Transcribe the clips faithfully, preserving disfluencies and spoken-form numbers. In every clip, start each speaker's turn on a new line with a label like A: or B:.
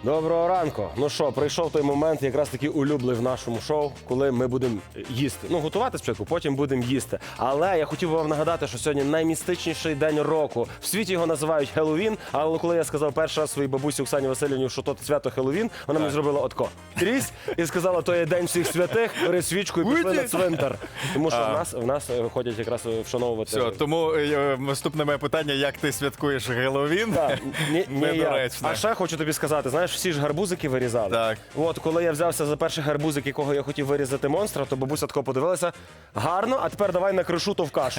A: Доброго ранку. Ну що, прийшов той момент, якраз таки улюблений в нашому шоу, коли ми будемо їсти. Ну, готувати спочатку, потім будемо їсти. Але я хотів би вам нагадати, що сьогодні наймістичніший день року. В світі його називають Хеллоуін, але коли я сказав перший раз своїй бабусі Оксані Васильівні, що то свято Хеллоуін, вона мені зробила отко. Трісь і сказала, то є день всіх святих, бери свічку і пішли на цвинтар. Тому що в нас, в нас ходять якраз вшановувати.
B: Все, тому е, наступне моє питання, як ти святкуєш Геловін?
A: Так, ні, ні, я.
B: Недоречне.
A: А ще хочу тобі сказати, знаєш, всі ж гарбузики вирізали.
B: Так.
A: От, коли я взявся за перший гарбузик, якого я хотів вирізати монстра, то бабуся тако подивилася, гарно, а тепер давай накришу то в кашу.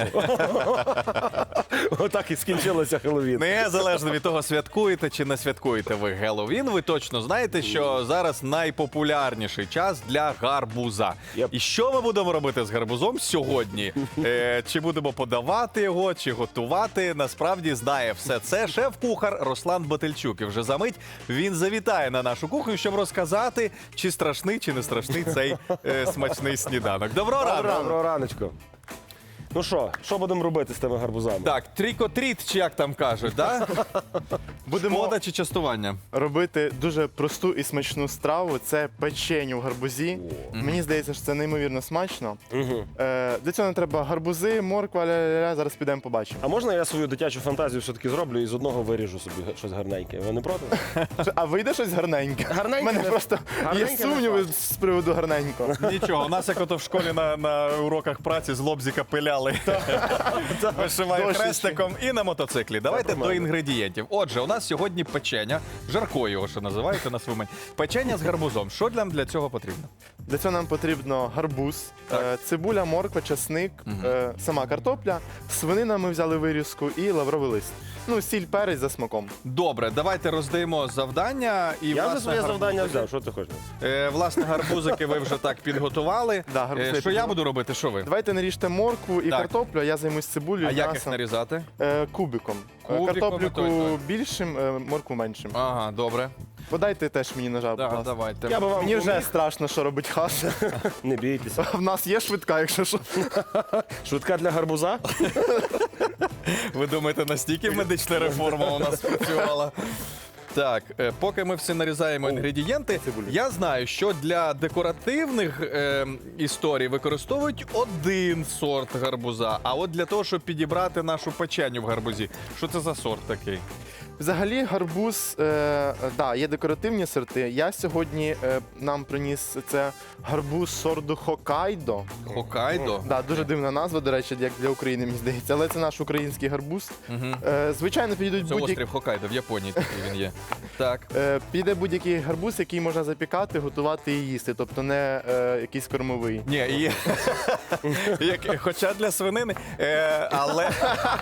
A: Отак і скінчилося Хеллоуін.
B: Незалежно від того, святкуєте чи не святкуєте ви Геловін, ви точно знаєте, що зараз найпопулярніший час для гарбуза.
A: Yep.
B: І що ми будемо робити з гарбузом сьогодні? Е, чи будемо подавати його, чи готувати? Насправді знає все це шеф-кухар Руслан Батильчук. І вже за мить він завітає на нашу кухню, щоб розказати, чи страшний, чи не страшний цей е, смачний сніданок. Доброго ранку!
A: Доброго раночку. Ну що, що будемо робити з тими гарбузами?
B: Так, трікотріт, чи як там кажуть, да?
C: Будемо
B: Шкода чи частування?
C: робити дуже просту і смачну страву. Це печеню в гарбузі. Мені здається, що це неймовірно смачно.
A: Угу.
C: Е, для цього не треба гарбузи, морква, ля-ля-ля. Зараз підемо побачимо.
A: А можна я свою дитячу фантазію все-таки зроблю і з одного виріжу собі щось гарненьке? Ви не проти?
C: А вийде щось гарненьке?
A: Гарненьке
C: У мене
A: не-
C: просто
A: гарненьке
C: є
A: не
C: сумніви
A: факт.
C: з приводу гарненького.
B: Нічого, у нас як ото в школі на, на уроках праці з лобзика пиляли. Вишиваю
C: Дощечки.
B: хрестиком і на мотоциклі. Давайте до інгредієнтів. Отже, у нас сьогодні печення, жарко його ще називаєте на свою мить. Печення з гарбузом. Що нам для цього потрібно?
C: Для цього нам потрібно гарбуз, е, цибуля, морква, часник, е, сама картопля, свинина ми взяли вирізку і лавровий лист. Ну, сіль, перець за смаком.
B: Добре, давайте роздаємо завдання. І,
A: Я вже
B: власне,
A: своє завдання
B: гарбузики.
A: взяв, що ти хочеш?
B: Е, власне, гарбузики ви вже так підготували.
C: Да, гарбузи
B: Е,
C: я
B: що я
C: підготував.
B: буду робити? Що ви?
C: Давайте наріжте моркву і
B: Так.
C: картоплю, а я займусь цибулею,
B: А як їх
C: м'ясом.
B: нарізати?
C: Е, кубиком. Е,
B: Кубиком,
C: Картоплю
B: той, той.
C: більшим, е, моркву меншим.
B: Ага, добре.
C: Подайте теж мені ножа, будь
B: Да,
C: ласка.
B: давайте.
A: Я би вам
C: Мені вже
A: поміг.
C: страшно, що робить хаса.
A: Не бійтеся.
C: В нас є швидка, якщо що.
A: Швидка для гарбуза?
B: Ви думаєте, настільки медична реформа у нас спрацювала? Так, е, поки ми всі нарізаємо інгредієнти, я знаю, що для декоративних е, історій використовують один сорт гарбуза, а от для того, щоб підібрати нашу печеню в гарбузі, що це за сорт такий?
C: Взагалі гарбуз, е, да, є декоративні сорти. Я сьогодні е, нам приніс це гарбуз сорту Хоккайдо.
B: Хоккайдо?
C: Да, дуже дивна назва, до речі, як для України, мені здається. Але це наш український гарбуз.
B: Угу.
C: Е, звичайно, підійдуть
B: Це
C: будь-які.
B: острів Хоккайдо, в Японії такий він є. Так.
C: Е, піде будь-який гарбуз, який можна запікати, готувати і їсти, тобто не е, якийсь кормовий.
B: Ні, і... Як- хоча для свинини, е, але,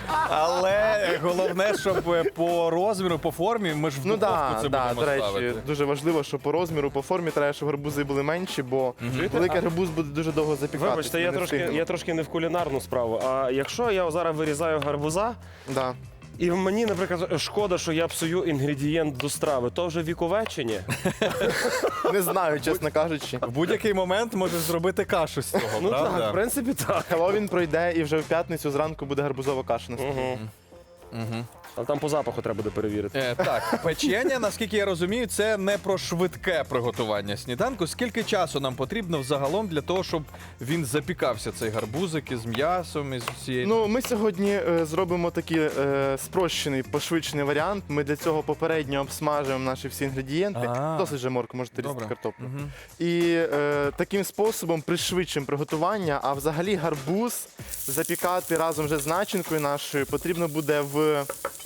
B: але головне, щоб е, по розміру, по формі, ми ж в
C: Ну
B: духовку
C: да,
B: це
C: да,
B: будемо
C: до речі,
B: ставити.
C: дуже важливо, що по розміру, по формі треба, щоб гарбузи були менші, бо великий гарбуз буде дуже довго запікатися.
A: Вибачте, я
C: ми не
A: трошки,
C: встигнемо.
A: я трошки не в кулінарну справу. А якщо я зараз вирізаю гарбуза,
C: Да.
A: і мені, наприклад, шкода, що я псую інгредієнт до страви, то вже віковечення.
C: Не знаю, чесно кажучи.
B: В будь-який момент можеш зробити кашу з цього,
A: Ну
B: правда?
A: так, в принципі, так.
C: Хеллоуін пройде і вже в п'ятницю зранку буде гарбузова каша на столі.
A: Угу.
B: Мгм.
A: Але там по запаху треба буде перевірити.
B: Е, так, печення, наскільки я розумію, це не про швидке приготування сніданку. Скільки часу нам потрібно взагалом для того, щоб він запікався, цей гарбузик із м'ясом, із всією...
C: Ну, ми сьогодні е, зробимо такий е, спрощений, пошвидшений варіант. Ми для цього попередньо обсмажуємо наші всі інгредієнти.
B: А.
C: Досить же морку, можете різати
B: Добре.
C: картоплю.
B: Мгм.
C: І е, таким способом пришвидшимо приготування, а взагалі гарбуз запікати разом вже з начинкою нашою потрібно буде в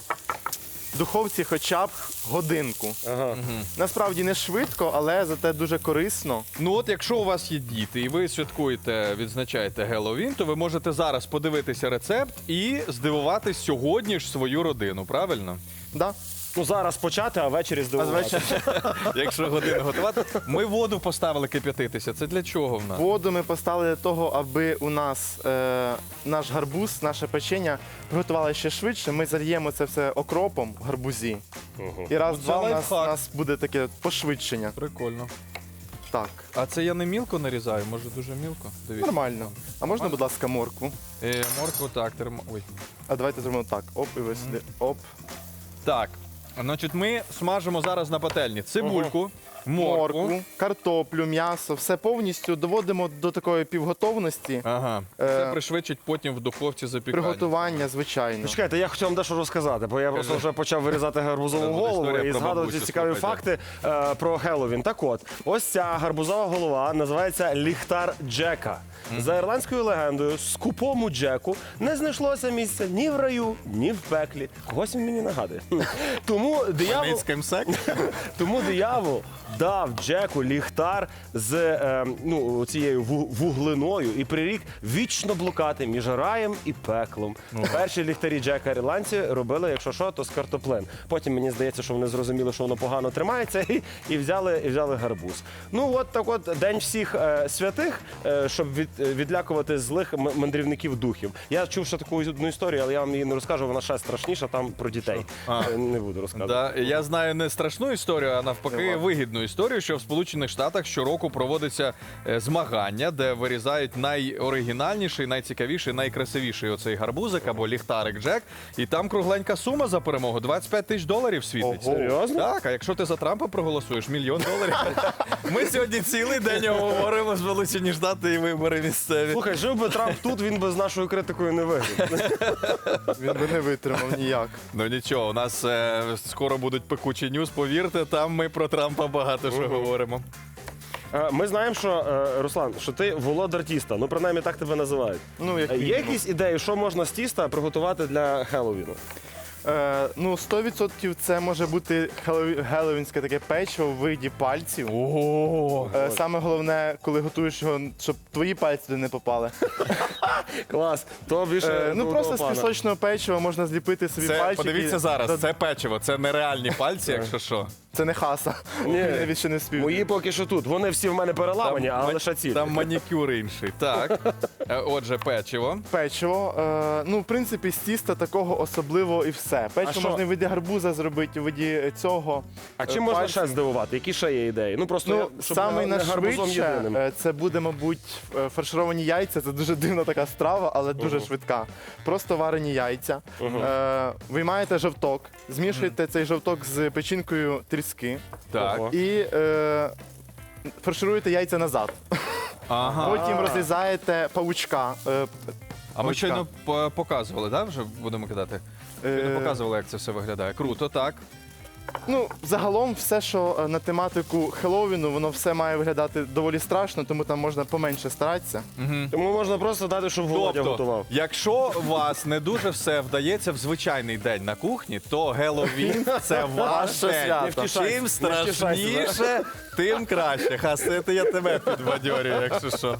C: духовці хоча б годинку.
A: Ага.
C: Насправді не швидко, але зате дуже корисно.
B: Ну от якщо у вас є діти і ви святкуєте, відзначаєте Геловін, то ви можете зараз подивитися рецепт і здивувати сьогодні ж свою родину, правильно?
C: Да?
A: Ну зараз почати, а ввечері
C: А
A: здивувати.
C: звичайно,
B: Якщо годину готувати. Ми воду поставили кип'ятитися. Це для чого в нас?
C: воду ми поставили для того, аби у нас е, наш гарбуз, наше печення приготували ще швидше. Ми зальємо це все окропом в гарбузі. І раз-два у нас,
B: лайфхак.
C: у нас буде таке пошвидшення.
B: Прикольно.
C: Так,
B: А це я не мілко нарізаю, може дуже мілко? Дивіться.
C: нормально. А можна, будь ласка, моркву?
B: Е, моркву так, термо... Ой.
C: А давайте зробимо так. Оп, і ви сюди. Оп.
B: Так. Значить, ми смажимо зараз на пательні цибульку, моркву.
C: Моркву, картоплю, м'ясо, все повністю доводимо до такої півготовності.
B: Ага.
C: Е,
B: Це пришвидшить потім в духовці запікання.
C: Приготування, звичайно.
A: Чекайте, я хотів вам дещо розказати, бо я просто вже почав вирізати гарбузову
B: Це буде
A: голову
B: історія
A: і
B: про
A: згадувати
B: бабусю,
A: цікаві
B: слухайте.
A: факти е, про Хеллоуін. Так от, ось ця гарбузова голова називається ліхтар Джека. За ірландською легендою, скупому Джеку не знайшлося місця ні в раю, ні в пеклі. Когось він мені нагадує. Тому диявол,
B: Хмельницький МСЕК.
A: тому диявол дав Джеку ліхтар з е, ну, цією ву- вуглиною і прирік вічно блукати між раєм і пеклом. Перші ліхтарі Джека ірландці робили, якщо що, то з картоплин. Потім мені здається, що вони зрозуміли, що воно погано тримається, і, і, взяли, і взяли гарбуз. Ну от так от День всіх е, святих, е, щоб від, е, відлякувати злих м- мандрівників духів. Я чув ще таку одну історію, але я вам її не розкажу, вона ще страшніша, там про дітей.
B: А.
A: Е, Не буду розказувати.
B: Да, я знаю не страшну історію, а навпаки вигідну історію, що в Сполучених Штатах щороку проводиться е, змагання, де вирізають найоригінальніший, найцікавіший, найкрасивіший оцей гарбузик або ліхтарик Джек. І там кругленька сума за перемогу двадцять п'ять тисяч доларів світиться.
A: Ого. Серйозно?
B: Так, а якщо ти за Трампа проголосуєш, мільйон доларів. Ми сьогодні цілий день говоримо Сполучені Штати і вибори місцеві.
A: Слухай, жив би Трамп тут, він би з нашою критикою не виграв.
C: Він би не витримав ніяк.
B: Ну нічого, у нас е, скоро будуть пекучі ньюс, повірте, там ми про Трампа багато що говоримо.
A: Е, Ми знаємо, що е, Руслан, що ти володар тіста. Ну, принаймні так тебе називають.
C: Ну, як
A: Е, Є
C: мінімум.
A: якісь ідеї, що можна з тіста приготувати для Хеллоуіну?
C: Е, ну, сто відсотків це може бути хеллоу- геловінське таке печиво в виді пальців.
B: Ого!
C: Е, Саме головне, коли готуєш його, щоб твої пальці туди не попали.
A: Клас. То більше
C: Е, ну
A: до
C: просто
A: того
C: з
A: пана.
C: пісочного печива можна зліпити собі
B: Це
C: пальчики.
B: подивіться зараз,
C: Та-
B: це печиво, це нереальні пальці, якщо що.
C: Це не хаса.
A: Ні.
C: Я ще не спів.
A: Мої поки що тут. Вони всі в мене переламані, а
B: ма-
A: лише ці.
B: там манікюр інший. Так. Е, Отже, печиво.
C: Печиво. Е, ну, в принципі, з тіста такого особливо і все. Печиво
A: що?
C: можна в виді гарбуза зробити, в виді цього.
A: А
C: е,
A: чим можна
C: пальців.
A: ще здивувати? Які ще є ідеї? Ну просто
C: Ну,
A: я, щоб
C: самий
A: не, не гарбузом
C: найшвидше
A: єдиним.
C: е, це буде, мабуть, е, фаршировані яйця. Це дуже дивна така страва, але дуже швидка. Просто варені яйця. Е, виймаєте жовток, змішуєте цей жовток з печінкою тріски
B: Так.
A: Ого.
C: і е, фаршируєте яйця назад.
B: Ага.
C: Потім розрізаєте павучка. Е,
B: А ми щойно по- показували, так? Вже будемо кидати?
C: е,
B: Не показували, як це все виглядає. Круто, так.
C: Ну, загалом, все, що е, на тематику Хеллоуіну, воно все має виглядати доволі страшно, тому там можна поменше старатися.
A: Тому можна просто дати, щоб Володя
B: Тобто,
A: готував.
B: якщо у вас не дуже все вдається в звичайний день на кухні, то Геловін – це ваш
C: Ваше
B: день.
C: свято.
A: Не втішайся,
B: Чим
A: не втішайся,
B: страшніше, тим краще. Хасити я тебе підбадьорюю, якщо що.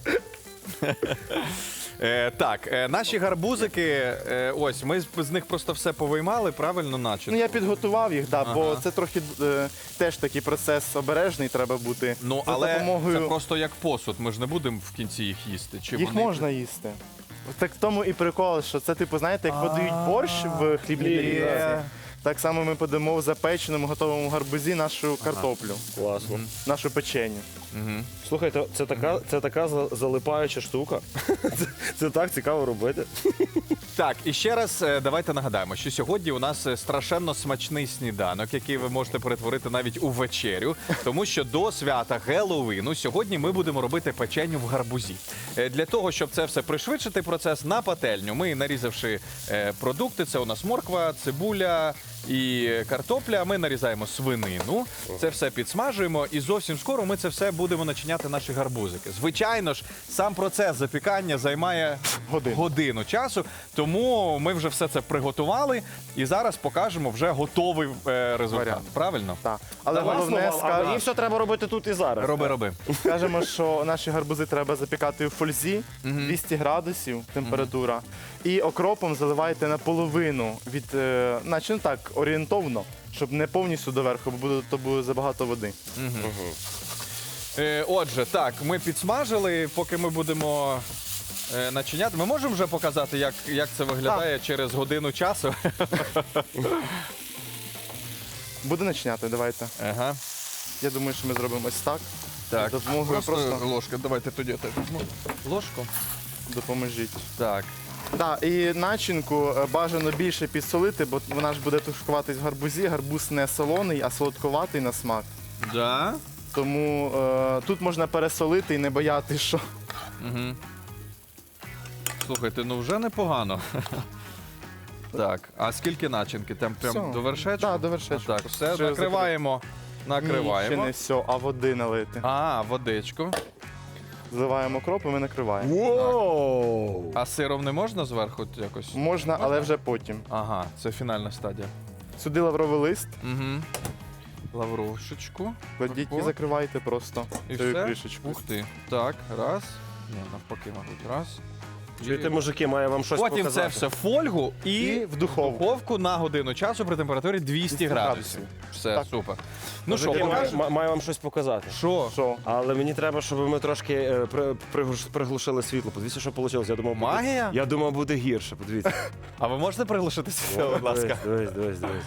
B: Е, так, е, наші гарбузики, е, ось, ми з, з них просто все повиймали, правильно наче?
C: Ну, я підготував їх, да, бо це трохи е, теж такий процес обережний треба бути.
B: Ну,
C: За
B: але
C: допомогою...
B: це просто як посуд, ми ж не будемо в кінці їх їсти. Чи
C: Їх
B: вони...
C: можна їсти. Так в тому і прикол, що це, типу, знаєте, як подають борщ в хлібній
A: Є.
C: тарілці. Так само ми подамо в запеченому готовому гарбузі нашу картоплю,
A: Класно.
C: нашу печеню.
A: Слухайте, це така, це така за- залипаюча штука. Це, це так цікаво робити.
B: Так, і ще раз е, давайте нагадаємо, що сьогодні у нас е, страшенно смачний сніданок, який ви можете перетворити навіть у вечерю, тому що до свята Геловіну сьогодні ми будемо робити печеню в гарбузі. Е, Для того, щоб це все пришвидшити процес на пательню, ми, нарізавши е, продукти, це у нас морква, цибуля і картопля, ми нарізаємо свинину, це все підсмажуємо і зовсім скоро ми це все будемо начиняти наші гарбузики. Звичайно ж, сам процес запікання займає
C: Годину.
B: годину часу, тому ми вже все це приготували і зараз покажемо вже готовий е, результат.
C: Варіант.
B: Правильно?
C: Так. Але
A: Класно,
C: головне,
A: а
C: ска-
A: мені все треба робити тут і зараз.
B: Роби, роби.
C: скажемо, що наші гарбузи треба запікати у фользі, двісті градусів температура. І окропом заливайте наполовину від, е, наче ну так, орієнтовно, щоб не повністю доверху, бо буде, то буде забагато води.
B: Е, отже, так, ми підсмажили, поки ми будемо е, начиняти. Ми можемо вже показати, як, як це виглядає через годину часу?
C: Буде начиняти, давайте.
B: Ага.
C: Я думаю, що ми зробимо ось так.
B: Так,
C: Допомогою
B: просто,
C: просто-
B: ложка. Давайте тоді я теж візьму ложку.
C: Допоможіть.
B: Так.
C: Да, і начинку е, бажано більше підсолити, бо вона ж буде тушкуватись в гарбузі. Гарбуз не солоний, а солодкуватий на смак.
B: Да?
C: Тому е, тут можна пересолити і не боятися, що
B: Угу. Слухайте, ну вже непогано. Так, а скільки начинки? Там прям
C: Все.
B: до вершечку?
C: Да, до вершечку.
B: Так, все,
C: Вже
B: накриваємо.
C: Ні, ще
B: Накриваємо.
C: не все, а води налити.
B: А, водичку.
C: Зливаємо кроп і ми накриваємо.
A: Воу!
B: А сиром не можна зверху якось?
C: Можна, але вже потім.
B: Ага, це фінальна стадія.
C: Сюди лавровий лист,
B: Угу. Лаврушечку.
C: кладіть і
B: Тако.
C: закривайте просто
B: І
C: цією
B: все?
C: кришечкою.
B: Ух ти. Так, раз. Ні, навпаки, мабуть, раз.
A: Чуєте, мужики, має вам щось
B: Потім
A: показати.
B: це все в фольгу і,
C: І в духовку.
B: духовку на годину часу при температурі двісті
C: двісті
B: градусів. Все,
C: Так.
B: супер. Ну що,
A: Мужики, маю,
B: покажемо?
A: маю вам щось показати.
B: Що?
C: Що?
A: Але мені треба, щоб ми трошки е, при- приглуш- приглушили світло. Подивіться, що вийшло. Я думав, буде-
B: Магія?
A: Я думав, буде гірше. Подивіться.
B: А ви можете приглушити світло, будь ласка?
A: Дивись, дивись, дивись.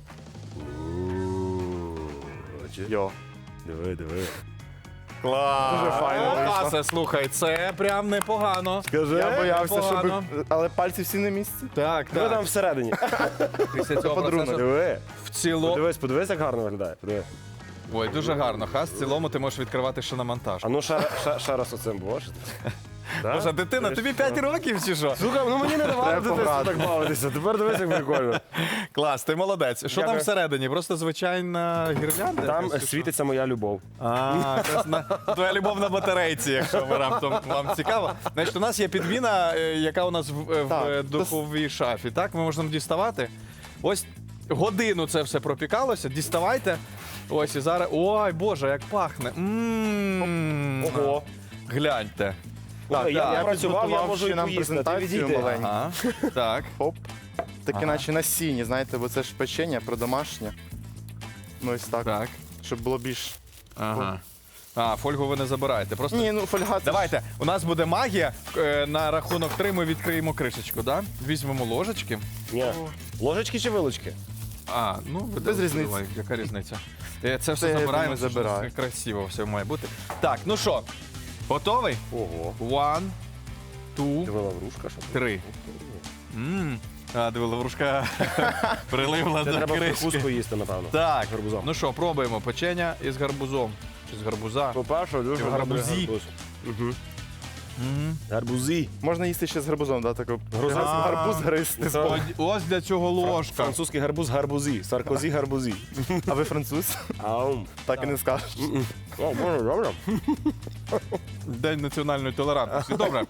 A: Бачиш?
C: Йо.
A: Диви, диви.
B: Клас!
C: Дуже файно вийшло.
B: Класе, слухай, це прям непогано.
A: Скажи.
C: Я боявся,
B: непогано.
C: щоб. Але пальці всі на місці.
B: Так,
A: Диви там
B: так.
A: всередині.
B: Після цього
C: подарунок.
B: процесу
A: Диви.
B: в цілому...
A: Подивись, подивись, як гарно виглядає. Подиви.
B: Ой, дуже гарно. Хас, в цілому ти можеш відкривати ще на монтаж.
A: А ну ще, ще, ще раз оцим боже.
B: Боже, дитина, тобі п'ять років чи що?
A: Слухай, ну мені не давали
C: Треба
A: дитинстві
C: пограти.
A: так бавитися. Тепер дивись, як прикольно.
B: Клас, ти молодець. Що там
A: Дякую.
B: всередині? Просто звичайна гірлянда?
A: Там
B: якась, чи що?
A: світиться моя любов.
B: А, якраз на твоя любов на батарейці, якщо ви раптом вам цікаво. Значить, у нас є підміна, е, яка у нас в, е, в
C: Так,
B: е, духовій шафі. Так, ми можемо діставати. Ось годину це все пропікалося. Діставайте. Ось і зараз. Ой, Боже, як пахне. М.
A: Ого.
B: Гляньте.
A: Так, я,
C: я
A: я працював, я
C: підготував
A: можу
C: ще
A: і
C: нам
A: поїсти. Ти
C: презентацію
A: відійди.
C: маленьку.
B: Ага. Так.
C: Хоп. Таке
B: Ага.
C: наче на сіні, знаєте, бо це ж печення про домашнє. Ну ось так.
B: Так.
C: Щоб було більш.
B: Ага. А, фольгу ви не забираєте. Просто
C: Ні, ну фольга це ж-
B: давайте, у нас буде магія. Е, На рахунок три ми відкриємо кришечку, да? Візьмемо ложечки.
A: Ні. Ложечки чи вилочки?
B: А, ну ви
C: Без
B: де-
C: різниці.
B: давай, яка різниця? Е, Це все
C: Це я
B: забираємо,
C: думаю,
B: це ж
C: забираю.
B: красиво все має бути. Так, ну що, готовий?
A: Ого.
B: One, two,
A: Диви лаврушка, що?
B: три. Мм. А, диви, лаврушка приливла
A: Це
B: до
A: треба
B: кришки.
A: прикуску їсти, напевно.
B: Так,
A: З гарбузом.
B: ну що, пробуємо печення із гарбузом. Чи з гарбуза?
A: По-перше, дуже
B: в гарбузі.
A: гарбузі. Гарбуз. Угу.
B: Мгм.
A: Гарбузі.
C: Можна їсти ще з гарбузом, да, таку.
A: Грузин.
C: Гарбуз гристи.
A: Це
B: Ось- Ось для цього ложка.
A: французький гарбуз гарбузі. Саркозі гарбузі.
C: А ви француз?
A: Аум.
C: Так і не скажеш.
A: О, боже, добре.
B: День національної толерантності. Добре.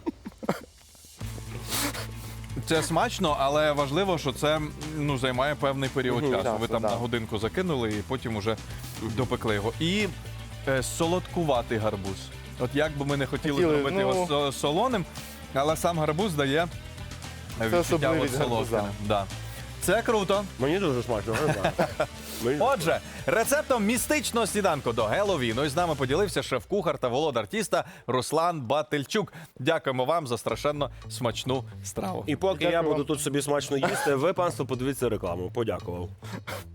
B: Це смачно, але важливо, що це ну, займає певний період
A: Мгм,
B: часу.
C: часу,
B: Ви там
C: да.
B: на годинку закинули і потім уже допекли його. І е, солодкуватий гарбуз. От як би ми не хотіли,
C: Хотіли,
B: зробити
C: ну-
B: його со- солоним, але сам гарбуз дає відчуття
C: особливість
B: от солодким.
C: гарбуза.
B: Да. Це круто.
A: Мені дуже смачно. не знаю. Мені-
B: Отже, рецептом містичного сніданку до Геловіну із нами поділився шеф-кухар та володар тіста Руслан Батильчук. Дякуємо вам за страшенно смачну страву.
A: І поки я
C: Дякую
A: буду
C: вам.
A: тут собі смачно їсти, ви, панство, подивіться рекламу. Подякував.